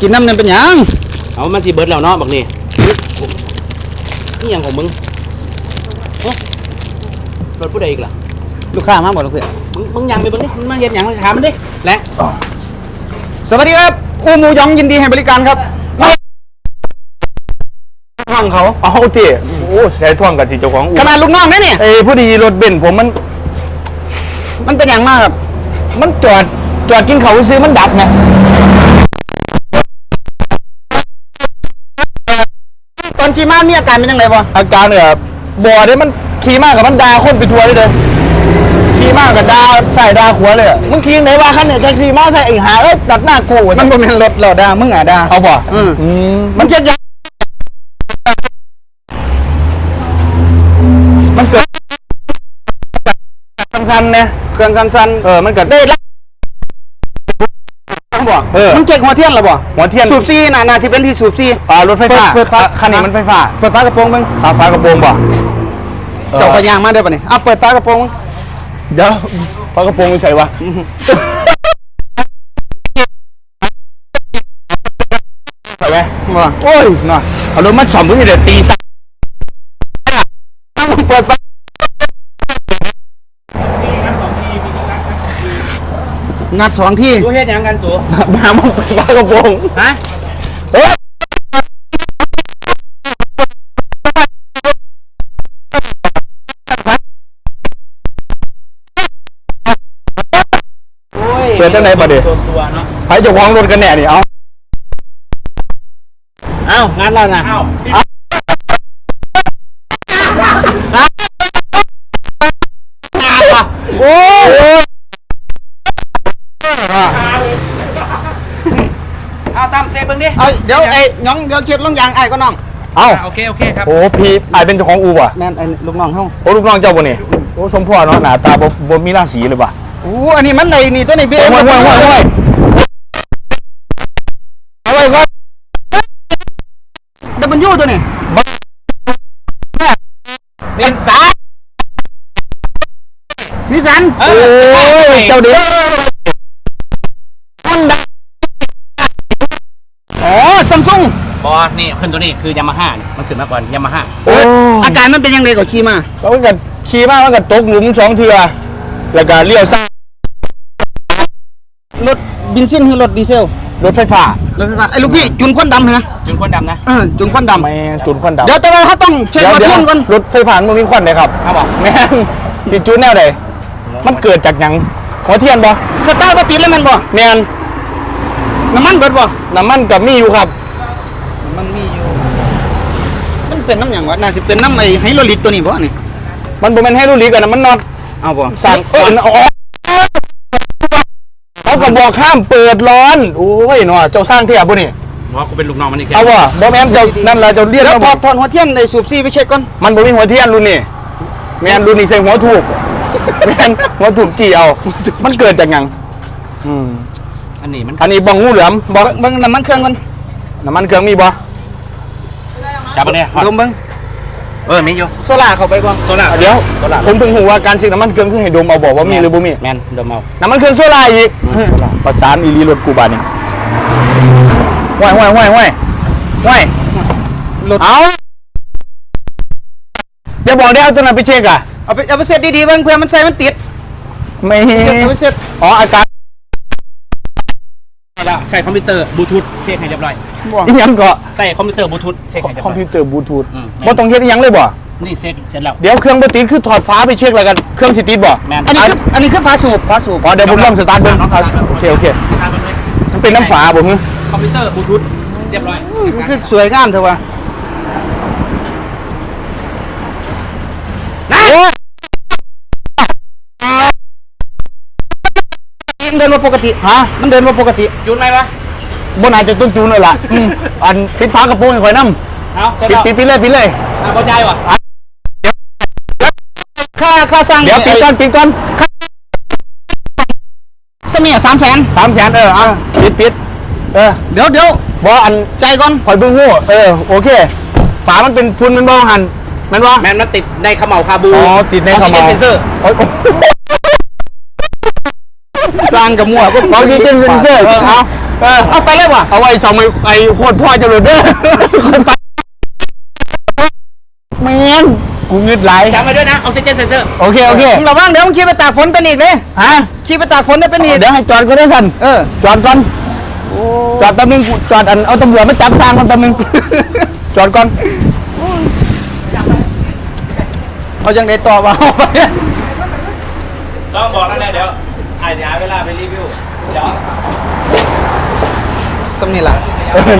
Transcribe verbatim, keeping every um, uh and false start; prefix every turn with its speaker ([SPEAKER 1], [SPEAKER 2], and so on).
[SPEAKER 1] กินน้ำเนี่ยเป็นยัง
[SPEAKER 2] เอามันสิเบิร์ดแล้วเนาะบักนี่นี่ยังของมึงรถผู้ใดอีกล่ะ
[SPEAKER 1] ลูกค้ามาหมดแล้วเพื่อน
[SPEAKER 2] มึงมึงยังไปมึงดิมึงมาเห็นยังถามมันดิและ
[SPEAKER 1] สวัสดีครับอูหมูยองยินดีให้บริการครับท่องเขา
[SPEAKER 3] เอาที่โอ้ใส่ท่วงกับที่เจ้าของ
[SPEAKER 1] ขนาดลูกน้องได้เนี่ย
[SPEAKER 3] เอ้ผู้ดีรถเบนซ์ผมมัน
[SPEAKER 1] มันเป็นอย่างมากครับ
[SPEAKER 3] มันจอดจอดกินเขาซื้อมันดับไง
[SPEAKER 1] ตอนขี่ม้ามีอาการเป็นยังไงบ่
[SPEAKER 3] อาการเนี่ยบ่อเนี่ยมันขี่มากกับมันด่าคนไปทัวร์เลยขี่มากกับด่าใส่ด่าขวเลยมึงขี่ไหนว่าคันเนี่ยแท็กซี่มาใส่ไอ้หาเอ้ยตัดหน้ากู
[SPEAKER 1] มันบ่เป็นรถเราด่ามึงอ่ะด่า
[SPEAKER 3] เอาบ่
[SPEAKER 1] อืมมันจะยัง
[SPEAKER 3] มันเกิดสั้นๆเนี่ย
[SPEAKER 1] เครื่องสั้น
[SPEAKER 3] ๆเออมันเกิดได้ละ
[SPEAKER 1] บ่เออมันเจ๊กหัวเทียนหรอบ่
[SPEAKER 3] หัวเทียน
[SPEAKER 1] สูบซีน่ะน่าสิเป็นที่สูบซี
[SPEAKER 3] อ่ารถไฟฟ้า
[SPEAKER 1] เปิดฟ้า
[SPEAKER 3] คันนี้มันไฟฟ้า
[SPEAKER 1] เปิดฟ้ากระโปรงมึง
[SPEAKER 3] ฟ้ากระโปรงบ่
[SPEAKER 1] เจ้าพยางมาได้ป่ะนี่เอาเปิดฟ้ากระโปรง
[SPEAKER 3] เดี๋ยวฟ้ากระโปรงไม่ใส่วะใส่ไหม
[SPEAKER 1] บ่
[SPEAKER 3] โอ้ยน่ะเอารถมาสอมเพื่อเดี๋ยวตีซะ
[SPEAKER 1] ต้องเปิดฟ้างัดสองที่
[SPEAKER 2] ดูเฮ็ดยังกันสู
[SPEAKER 3] มามึงเปิดฟ้ากระโปรง
[SPEAKER 2] ฮะ
[SPEAKER 3] เฮ้ยเปิดจังไหนประเดี๋ยวไปเจ้าของรถกันแน่นี่เอา
[SPEAKER 2] เอ้างั้นแล้วนะเอ้า
[SPEAKER 3] โอ้ย
[SPEAKER 2] เอาตามเซฟเบิ้งดิ
[SPEAKER 1] เอาเดี๋ยวไอ้น้องเดี๋ยวเก็บลงยางไอ้ก็น้อง
[SPEAKER 3] เอา
[SPEAKER 2] โอเคโอเคครับ
[SPEAKER 3] โอ้พี่ไอ้เป็นเจ้าของอูป่ะ
[SPEAKER 1] แม่นไอ้ลูกน้องเฮา
[SPEAKER 3] โอ้ลูกน้องเจ้าบ่นี่โอ้สมพ่อเนาะหน้าตาบ่บ่มีราศีเลยป่ะ
[SPEAKER 1] โอ้อันนี้มันไอ้นี่ตัวนี้พี่
[SPEAKER 3] ห่วยห่วยห่วยห่วยเอาไว้ก่อน
[SPEAKER 1] ดับเบิลยูตัวนี้
[SPEAKER 2] เป็นสาย
[SPEAKER 1] นิสัน
[SPEAKER 3] โอ้ยเจ้าเดือฮอนด้า
[SPEAKER 1] อ๋อซัมซุง
[SPEAKER 2] บอนี่ขึ้นตัวนี้คือยามาฮ่ามันขึ้นมาก่อนยามาฮ่า
[SPEAKER 3] โอ้
[SPEAKER 1] อาการมันเป็นยังไงก่อนขี่มา
[SPEAKER 3] เขาก็ขี่มามันก็ตกหลุมสองเทื่อแล้วก็เลี้ยวซ้าย
[SPEAKER 1] รถบินซินหรือรถดีเซล
[SPEAKER 3] รถไฟฟ้าร
[SPEAKER 1] ถไฟฟ้าไอ้ลูกพี่จุนควันดำเหรอ
[SPEAKER 2] จุนควันดำนะ
[SPEAKER 1] เออจุนควันดำ
[SPEAKER 3] ไม่จุนควันดำ
[SPEAKER 1] เดี๋ยวแต่ว่าเขาต้องเช็คหัวเทียนก่อน
[SPEAKER 3] รถไฟฟ้ามันมีควันเลยครับ
[SPEAKER 2] ครับบอก
[SPEAKER 3] แม่นสิจุนแนวใดมันเกิดจากหยังหัวเทียนบ่
[SPEAKER 1] สตาร์ทบ่ติดเลยมันบ่
[SPEAKER 3] แม่น
[SPEAKER 1] น้ำมันเบิดบ่
[SPEAKER 3] น้ำมันกับมีอยู่ครับ
[SPEAKER 1] มันมีอยู่มันเป็นน้ำหยังวะน่าสิเป็นน้ำไอ้ไฮโดรลิกตัวนี้บ่นี่
[SPEAKER 3] มันบ่แม่นไฮโดรลิกอ่ะนะมันน็อต
[SPEAKER 1] เอาบ่
[SPEAKER 3] สั่งเอออ๋อเขาก็บอกห้ามเปิดร้อนโอ้ยเนาะเจ้าสร้างเทียบบ่นี่
[SPEAKER 2] ว่ากูเป็นลูกน้องมันอีกแค่
[SPEAKER 3] เอาบ่บ่แม่นเจ้านั่นล่ะเจ้าเรียก
[SPEAKER 1] แล้วถอดถอดหัวเทียนในสูบซีไปเช็คก่อน
[SPEAKER 3] มันบ่มีหัวเทียนรุ่นนี้แม่นรุ่นนี้ใส่หัวถูกแม่นหัวถูกจี้เอามันเกิดจากหยังอืม
[SPEAKER 2] อันนี้มัน
[SPEAKER 3] อันนี้บ้องงูเหลือมบ่
[SPEAKER 1] เบิ่งน้ำมันเครื่องมัน
[SPEAKER 3] น้ำมันเครื่องมีบ่
[SPEAKER 2] จับมาเนี่ย
[SPEAKER 1] ดมเบิ่ง
[SPEAKER 2] เออมีอยู่
[SPEAKER 1] โซล่าเข้าไปก่อน
[SPEAKER 2] โซล่า
[SPEAKER 3] เดี๋ยวผมเพิ่งรู้ว่าการซื้อน้ำมันเครื่องคือให้ดมเอาบอกว่ามีหรือบ่มี
[SPEAKER 2] แมนดมเอา
[SPEAKER 3] น้ำมันเครื่องโซล่าอีกประสานอีลีรถกูบาดนี่ห้วยห้วยห้วยห้วยห้วย
[SPEAKER 1] รถ
[SPEAKER 3] เอาอย่าบอกได้เอาตัวนั้นไปเช็คอ่ะ
[SPEAKER 1] เอาไปเอาไปเสร็จดีๆเบิ่งเพื่อมันใส่มันติด
[SPEAKER 3] ไม่
[SPEAKER 1] เอาไปเสร็จ
[SPEAKER 3] อ๋ออาการ
[SPEAKER 2] แล้วใส่คอมพิวเตอร์บลูทูธเช็คให้เรียบร้อย
[SPEAKER 3] อีหยังก็
[SPEAKER 2] ใส่คอมพิวเตอร์บลูทูธเช็คให้เรียบร้อย
[SPEAKER 3] คอมพิวเตอร์บลูทูธบ่ต้องเฮ็ดอีหยังเลยบ่
[SPEAKER 2] นี่เซ็ตเสร็จแล้ว
[SPEAKER 3] เดี๋ยวเครื่องบ่ติดคือถอดฟ้าไปเช็คแล้วกันเครื่องสิติดบ่
[SPEAKER 1] อันนี้คืออันนี้คือฝาสูบฝาสูบ
[SPEAKER 3] อ๋อเดี๋ยวผมลองสตาร์ทเบิ่งโอเคโอเคมันเป็นน้ำฝาบ่ฮึ
[SPEAKER 2] คอมพิวเตอร์บลูทูธเรียบร้อย
[SPEAKER 1] มันคือสวยงามเถอะวะนะมันเดินมาปกติ
[SPEAKER 3] ฮะ
[SPEAKER 1] มันเดินมาปกติ
[SPEAKER 2] จูนไหมวะ
[SPEAKER 3] บ่น่าจะต้องจูนเลยล่ะอันปิดฝากระโปรงให้ข่อยนำ
[SPEAKER 2] เอา
[SPEAKER 3] ปิดปิดปิดเลยปิดเลย
[SPEAKER 2] อ่ะพอใจวะ
[SPEAKER 1] ค่าค่าสร้าง
[SPEAKER 3] เดี๋ยวปิดก่อนปิดก่อน
[SPEAKER 1] สมีสามแสน
[SPEAKER 3] สามแสนเออเอาปิดปิดเออ
[SPEAKER 1] เดี๋ยวเดี๋ยว
[SPEAKER 3] บ่อัน
[SPEAKER 1] ใจก่อน
[SPEAKER 3] ข่อยเบิ่งฮู้เออโอเคฝามันเป็นฝุ่นมันบ่หันแม่นบ่
[SPEAKER 2] แม่นมันติดในขมเหลาคาบู
[SPEAKER 3] อ๋อติดในขมเหลา
[SPEAKER 2] เซนเซอร์
[SPEAKER 1] สร้างกับมั่วก็
[SPEAKER 3] ออกซิเจนเซนเซอร์เอาเออ
[SPEAKER 1] เอาไปเลยว่ะ
[SPEAKER 3] เอาไว้สองไอ้ไอ้โคตรพ่อจะหลุดเด้อคนไปแมนกูงึดไหล
[SPEAKER 2] จำมาด้วยนะออกซิเจนเซนเซอร์
[SPEAKER 3] โอเคโอเค
[SPEAKER 1] มึงระวังเดี๋ยวมึงขี่ไปตากฝนเป็นอีกเลย
[SPEAKER 3] ฮะ
[SPEAKER 1] ขี่ไปตากฝนได้เป็นอีก
[SPEAKER 3] เดี๋ยวให้จอดก็ได้สัน
[SPEAKER 1] เออ
[SPEAKER 3] จอดก่อนจอดแป๊บนึงกูจอดอันเอาตำรวจมาจับสร้างมันแป๊บนึง จอดก่อน
[SPEAKER 1] เอายังได้ต่อมา
[SPEAKER 2] ต้องบอกนั่นแหละเดี๋ยวอาจจะหาเวลาไปรีวิวเดี๋ยว
[SPEAKER 1] สำนี่ล่ะ